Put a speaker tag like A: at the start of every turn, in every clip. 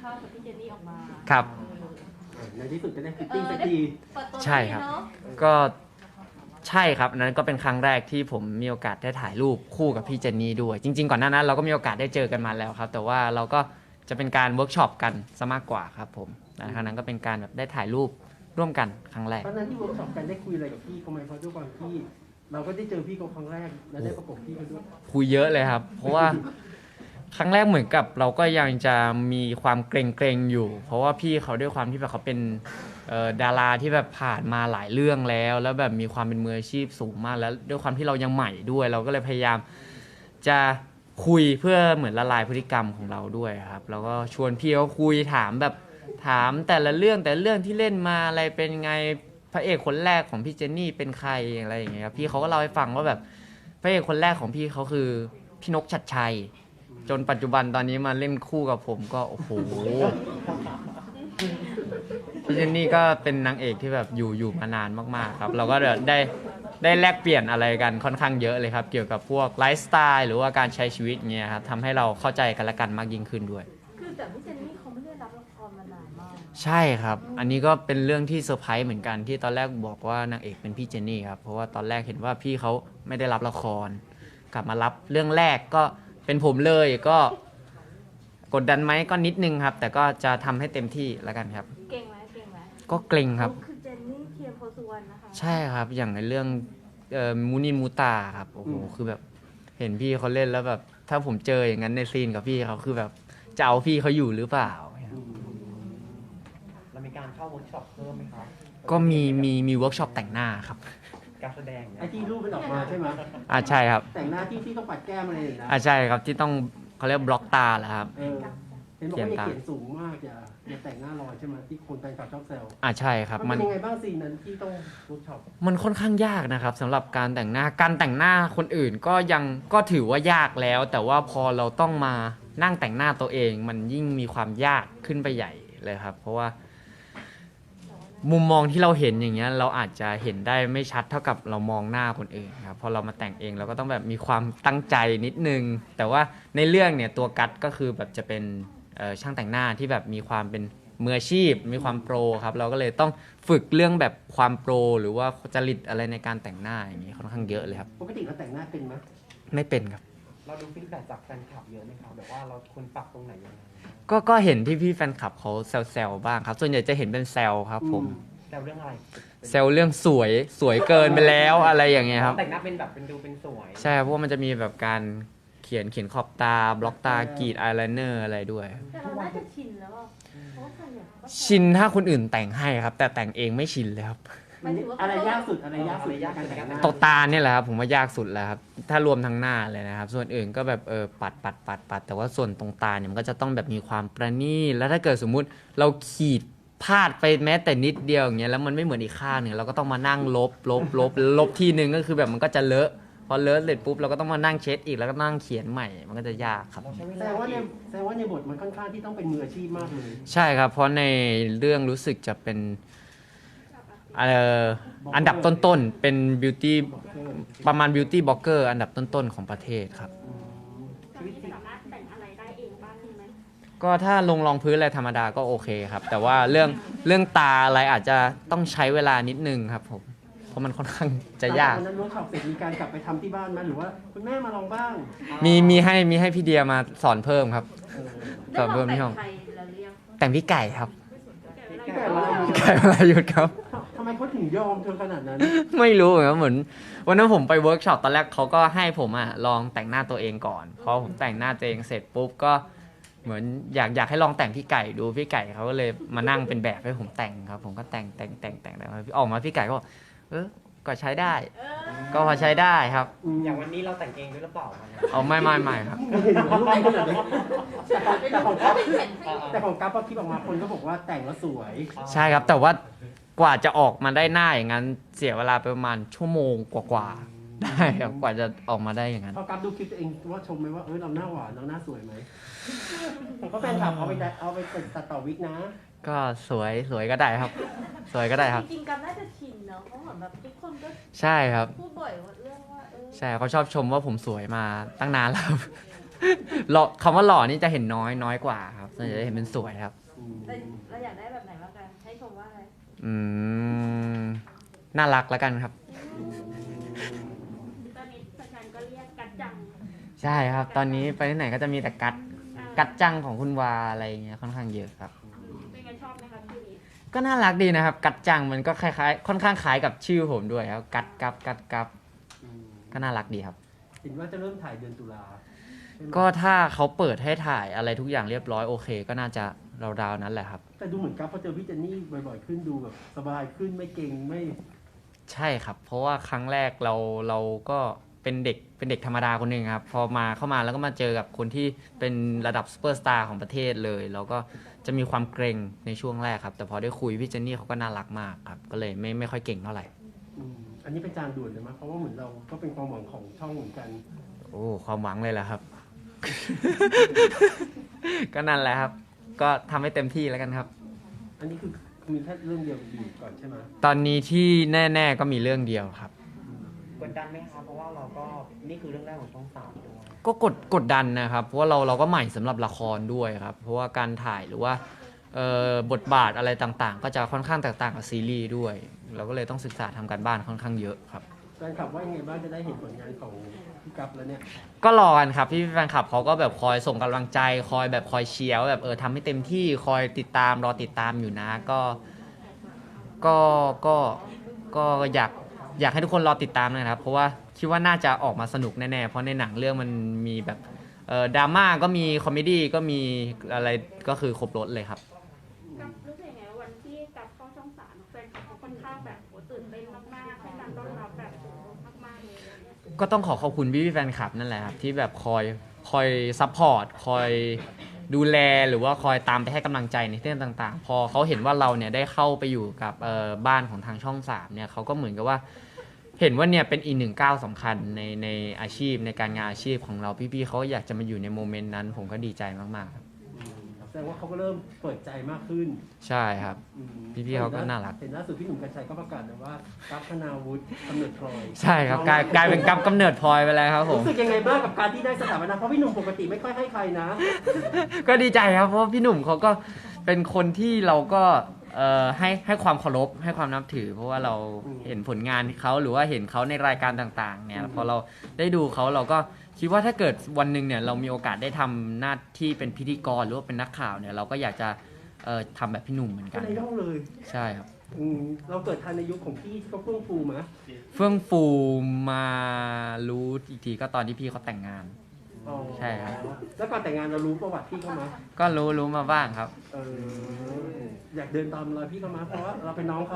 A: ภาพกับพี่เจนนี่ออกมา
B: ครับ
C: ในที่สุดจะได้ฟิตติ้งสักที
B: ใช่ครับก็ใช่ครับอันนั้นก็เป็นครั้งแรกที่ผมมีโอกาสได้ถ่ายรูปคู่กับพี่เจนนี่ด้วยจริงๆก่อนหน้านั้นเราก็มีโอกาสได้เจอกันมาแล้วครับแต่ว่าเราก็จะเป็นการเวิร์กช็อปกันซะมากกว่าครับผมครั้งนั้นก็เป็นการแบบได้ถ่ายรูปร่วมกันครั้งแรก
C: ตอนนั้นที่เวิร์กช็อปกันได้คุยอะไรกับพี่เขาไหมเพราะด้วยความที่เราก็ได้เจอพี่เขาครั้งแรกและได้ประกบพี่เขาด้วย
B: คุยเยอะเลยครับเพราะว่าครั้งแรกเหมือนกับเราก็ยังจะมีความเกรงๆอยู่เพราะว่าพี่เขาด้วยความที่แบบเขาเป็นดาราที่แบบผ่านมาหลายเรื่องแล้วแบบมีความเป็นมืออาชีพสูงมากแล้วด้วยความที่เรายังใหม่ด้วยเราก็เลยพยายามจะคุยเพื่อเหมือนละลายพฤติกรรมของเราด้วยครับแล้วก็ชวนพี่เขาคุยถามแต่ละเรื่องที่เล่นมาอะไรเป็นไงพระเอกคนแรกของพี่เจนนี่เป็นใครอะไรอย่างเงี้ยครับพี่เขาก็เล่าให้ฟังว่าแบบพระเอกคนแรกของพี่เขาคือพี่นกชัดชัยจนปัจจุบันตอนนี้มาเล่นคู่กับผมก็โอ้โหพี่เจนนี่ก็เป็นนางเอกที่แบบอยู่มานานมากๆครับเราก็ได้แลกเปลี่ยนอะไรกันค่อนข้างเยอะเลยครับเกี่ยวกับพวกไลฟ์สไตล์หรือว่าการใช้ชีวิตเงี้ยครับทำให้เราเข้าใจกันและกันมากยิ่งขึ้นด้วย
A: คือแต่พี่เจนนี่เขาไม่ได้รับละครมานานมาก
B: ใช่ครับอันนี้ก็เป็นเรื่องที่เซอร์ไพรส์เหมือนกันที่ตอนแรกบอกว่านางเอกเป็นพี่เจนนี่ครับเพราะว่าตอนแรกเห็นว่าพี่เขาไม่ได้รับละครกลับมารับเรื่องแรกก็เป็นผมเลยก็กดดันไหมก็นิดนึงครับแต่ก็จะทำให้เต็มที่แล้วกันครับ
A: เก่งไหม
B: ก็เกรงครับ
A: คือเจนนี่เทียมโพสุวรรณนะคะ
B: ใช่ครับอย่างในเรื่องมูนินมูตาครับโอ้โหคือแบบเห็นพี่เขาเล่นแล้วแบบถ้าผมเจออย่างนั้นในซีนกับพี่เขาคือแบบจะเอาพี่เขาอยู่หรือเปล่า
D: เรามีการเข้าเวิร์กช็อปเพิ่มไหมครับ
B: ก็มีเวิร์กช็อปแต่งหน้าครับ
D: การแสดง
C: ไอ้ที่รูปมันออกมาใช่ไหม
B: ใช่ครับ
C: แต่งหน้าที่ต้องปัดแก้มอะไรอย่างเงี้ย
B: ใช่ครับที่ต้องเขาเรียกบล็อกตาแหละครับ
C: เห็นบอกว่าอย่าเขียนสูงมากอย่าแต่งหน้าลอยใช่ไหมที่คนแฟนคลับชอบแซว
B: ใช่ครับ
C: มันเป็นยังไงบ้างซีนนั้นที่ต้องเวิร์กช็อป
B: มันค่อนข้างยากนะครับสำหรับการแต่งหน้าคนอื่นก็ถือว่ายากแล้วแต่ว่าพอเราต้องมานั่งแต่งหน้าตัวเองมันยิ่งมีความยากขึ้นไปใหญ่เลยครับเพราะว่ามุมมองที่เราเห็นอย่างเงี้ยเราอาจจะเห็นได้ไม่ชัดเท่ากับเรามองหน้าคนอื่นครับพอเรามาแต่งเองเราก็ต้องแบบมีความตั้งใจนิดนึงแต่ว่าในเรื่องเนี่ยตัวกัตก็คือแบบจะเป็นช่างแต่งหน้าที่แบบมีความเป็นมืออาชีพมีความโปรครับเราก็เลยต้องฝึกเรื่องแบบความโปรหรือว่าจริตอะไรในการแต่งหน้าอย่างนี้ค่อนข้างเยอะเลยครับ
C: ปกติเราแต่งหน้าเป็นไหม
B: ไม่เป็นครับ
D: เราดูฟีดแบ็กจากแฟนคลับเยอะไหมครับแบบว่าเราควรปรับตรงไหนยังไง
B: ก็เห็นพี่แฟนคลับเขาแซวบ้างครับส่วนใหญ่จะเห็นเป็นแซวครับผม
D: แซวเรื่องอะไร
B: แซวเรื่องสวยเกินไปแล้วอะไรอย่างเงี้ยครับ
D: แต่งหน้าเป็นแบบเป็นดูเป็นสวย
B: ใช่เพราะว่ามันจะมีแบบการเขียนขอบตาบล็อกตากรีดอายไลเนอร์อะไรด้วย
A: แต่เราน่าจะชินแล้วเพราะว่าส่วนใหญ่
B: ชินถ้าคนอื่นแต่งให้ครับแต่แต่งเองไม่ชินเลยครับ
C: อะไรยากสุดการแต่งหน้า
B: ตกตาเนี่ยแหละครับผมว่ายากสุดแล้วครับถ้ารวมทั้งหน้าเลยนะครับส่วนอื่นก็แบบปัดแต่ว่าส่วนตรงตาเนี่ยมันก็จะต้องแบบมีความประณีตแล้วถ้าเกิดสมมุติเราขีดพลาดไปแม้แต่นิดเดียวอย่างเงี้ยแล้วมันไม่เหมือนอีกข้างหนึ่งเราก็ต้องมานั่งลบทีนึงก็คือแบบมันก็จะเลอะพอเลอะเสร็จปุ๊บเราก็ต้องมานั่งเช็ดอีกแล้วก็นั่งเขียนใหม่มันก็จะยากครับ
C: แสดงว่าในบทมันค่อนข้างที่ต้องเป็นมืออาชีพมากเลย
B: ใช่ครับเพราะในเรื่องรู้สึกจะเป็นอันดับต้นๆเป็นบิวตี้ประมาณบิวตี้บล็อกเกอร์อันดับต้นๆของประเทศครับ
A: สามารถแต่งอะไรได้เองบ้างไหม
B: ก็ถ้าลงรองพื้นอะไรธรรมดาก็โอเคครับแต่ว่าเรื่องตาอะไรอาจจะต้องใช้เวลานิดนึงครับผมเพราะมันค่อนข้างจะยาก
C: ตอนนั้นเวิร์กช็อปเสร็จมีการกลับไปทำที่บ้านไหมหรือว่าคุณแม่มาลองบ้าง
B: มีให้พี่เดียมาสอนเพิ่มครับสอนเพิ่มที่ห้องแต่งพี่ไก่ครับพี่ไก่วรายุทธครับ
C: ทำไมเขาถึงยอมเธอขนาดนั้น
B: ไม่รู้เหมือนวันนั้นผมไปเวิร์กช็อปตอนแรกเขาก็ให้ผมลองแต่งหน้าตัวเองก่อนพอผมแต่งหน้าตัวเองเสร็จปุ๊บก็เหมือนอยากให้ลองแต่งพี่ไก่ดูพี่ไก่เขาก็เลยมานั่งเป็นแบบให้ผมแต่งครับผมก็แต่งออกมาพี่ไก่ก็ก็ใช้ได้ก็พอใช้ได้ครับ
D: อย่างวันนี้เราแต่งเองด้วยหรือเปล่า
B: ไม่ครับ
C: แต่ของกั๊บพอคลิปออกมาคนก็บอกว่าแต่งแล้วสวย
B: ใช่ครับแต่ว่ากว่าจะออกมาได้หน้าอย่างนั้นเสียเวลาไปประมาณชั่วโมงกว่าได้ครับกว่าจะออกมาได้อย่างนั้น
C: พอกั๊บดูคลิปตัวเองว่าชมไหมว่าเราหน้าหวานเราหน้าสวยไหมเพราะแฟนคลับเอาไปตัดต่อวิกนะ
B: ก็สวยก็ได้ครับสวยก็ได้ครับ
A: จริงๆกั๊บน่าจะชินเนาะเพราะเหมือนแบบทุกคนก็
B: ใช่ครับ
A: พูดบ่อยเรื่องว่า
B: ใช่เขาชอบชมว่าผมสวยมาตั้งนานแล้วหล่อคำว่าหล่อนี่จะเห็นน้อยกว่าครับส่วนใหญ่จะเห็นเป็นสวยครับ
C: อืม
E: แต่เราอยากได้แบบไหนบ้างกันให้ชมว่าอะไร
B: อืมน่ารักแล้วกันครับ
A: ตอนนี้แฟนๆก็เรียกกัดจัง
B: ใช่ครับ ตอนนี้ไปที่ไหนก็จะมีแต่กัดจังของคุณวาอะไรอย่างเงี้ยค่อนข้างเยอะครับ
A: เป็นไงชอบไหมคะชื่อนี้
B: ก็น่ารักดีนะครับ กัดจังมันก็คล้ายๆค่อนข้างคล้ายกับชื่อผมด้วยครับกัด
C: อืม
B: ก็น่ารักดีครับ
C: เห็นว่าจะเริ่มถ่ายเดือนตุลาใช่ไหม
B: ก็ถ้าเขาเปิดให้ถ่ายอะไรทุกอย่างเรียบร้อยโอเค ก็น่าจะราวๆนั้นแหละครับ
C: แต่ดูเหมือนกับพอเจอพี่เจนนี่บ่อยๆขึ้นดูแบบสบายขึ้นไม่เก่งไม่
B: ใช่ครับ เพราะว่าครั้งแรกเราก็เป็นเด็กธรรมดาคนหนึ่งครับ พอเข้ามาแล้วก็มาเจอกับคนที่เป็นระดับซูเปอร์สตาร์ของประเทศเลย เราก็จะมีความเกรงในช่วงแรกครับ แต่พอได้คุยพี่เจนนี่เขาก็น่ารักมากครับ ก็เลยไม่ค่อยเก่งเท่าไหร่
C: อืมอันนี้เป็นจานด่วนเลยมั้ยเพราะว่าเหมือนเราก็เป็นความหวังของช่องเหมือนกัน
B: โอ้ความหวังเลยแหละครับ ก็นั่นแหละครับ ก็ทำให้เต็มที่แล้วกันครับ
C: อันนี้คือมีแค่เรื่องเดียวดีก่อนใช่ไหม
B: ตอนนี้ที่แน่ๆก็มีเรื่องเดียวครับ
D: กดดันไหมคะเพราะว่าเราก็นี่คือเรื่องแรกของช่อง3ด้วย
B: ก็กดดันนะครับ เพราะว่าเราก็ใหม่สำหรับละครด้วยครับ เพราะว่าการถ่ายหรือว่าบทบาทอะไรต่างๆ ก็จะค่อนข้างแตกต่างกับซีรีส์ด้วย เราก็เลยต้องศึกษาทำการบ้านค่อนข้างเยอะครับ
C: แฟนคลับว่ายังไงบ้างจะได้เห็นผลงานของพี่กัปแล้วเนี่ย
B: ก็รอกันครับพี่แฟนคลับเขาก็แบบคอยส่งกำลังใจคอยแบบคอยเชียร์ว่าแบบทำให้เต็มที่คอยติดตามรอติดตามอยู่นะก็อยากให้ทุกคนรอติดตามนะครับ เพราะว่าคิดว่าน่าจะออกมาสนุกแน่ๆเพราะในหนังเรื่องมันมีแบบดราม่าก็มีคอมเมดี้ก็มีอะไรก็คือครบรถเลยครับ
A: กับรู้สึกยังไงว่าวันที่กับเข้าช่องสามแฟนคลับเขาค่อนข้างแบบโหตื่นเต้นมากๆให้การต้อนรับแบบโหมากๆเลยอะไรเงี้ย
B: ก็ต้องขอบคุณพี่แฟนคลับนั่นแหละครับที่แบบคอยซัพพอร์ตคอยดูแลหรือว่าคอยตามไปให้กำลังใจในเรื่องต่างๆ พอเขาเห็นว่าเราเนี่ยได้เข้าไปอยู่กับบ้านของทางช่อง3เนี่ยเขาก็เหมือนกับว่าเห็นว่าเนี่ยเป็นอีกหนึ่งก้าวสำคัญในอาชีพในการงานอาชีพของเราพี่ๆเขาอยากจะมาอยู่ในโมเมนต์นั้นผมก็ดีใจมากๆครับ
C: แสดงว่าเขาก็เริ่มเปิดใจมากขึ้น
B: ใช่ครับ
C: อืม
B: พี่ๆเขาก็น่ารัก
C: เห็นล่าสุดพี่หนุ่มกัญชัยก็ประกาศนะว่ากัปธนาวุฒิกำเนิดพลอย
B: ใช่ครับกลายเป็นกำเนิดพลอยไปแล้วครับผม
C: รู้สึกยังไงบ้างกับการที่ได้สถาปนาเพราะพี่หนุ่มปกติไม่ค่อยให้ใครนะ
B: ก็ดีใจครับเพราะว่าพี่หนุ่มเขาก็เป็นคนที่เราก็ให้ความเคารพให้ความนับถือ เพราะว่าเราเห็นผลงานเขาหรือว่าเห็นเขาในรายการต่างๆเนี่ยพอเราได้ดูเขาเราก็คิดว่าถ้าเกิดวันหนึ่งเนี่ยเรามีโอกาสได้ทำหน้าที่เป็นพิธีกรหรือว่าเป็นนักข่าวเนี่ยเราก็อยากจะทำแบบพี่หนุ่มเหมือน
C: ก็
B: กัน
C: ในย่องเลย
B: ใช่ครับ
C: เราเกิดทันในยุคของพี่ที่เขาเฟื่องฟูมะ
B: เฟื่องฟูมารู้อีกทีก็ตอนที่พี่เขาแต่งงาน
C: อ๋อ
B: ใช่ครับ
C: แล้วก่อนแต่งงานเรารู้ประวัติพี่เขามา
B: ก็รู้มาบ้างครับ
C: อยากเดินตามรอยพี่เขามาเพราะว่าเราเป็นน้องเขา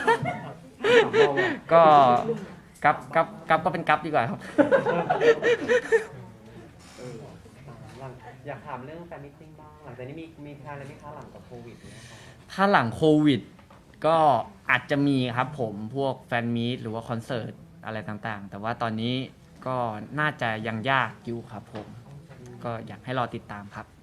B: ก็กับก็เป็นกับดีกว่าครับ
D: หลังอยากถามเรื่องแฟนมิทติ้งบ้างหลังจากนี้มีแพลนอะไรไหมคะหลังจากโควิดเนะคะ
B: ถ้าหลังโควิดก็อาจจะมีครับผมพวกแฟนมีตหรือว่าคอนเสิร์ตอะไรต่างๆ แต่ว่าตอนนี้ก็น่าจะยังยากอยู่ครับผม ก็อยากให้รอติดตามครับ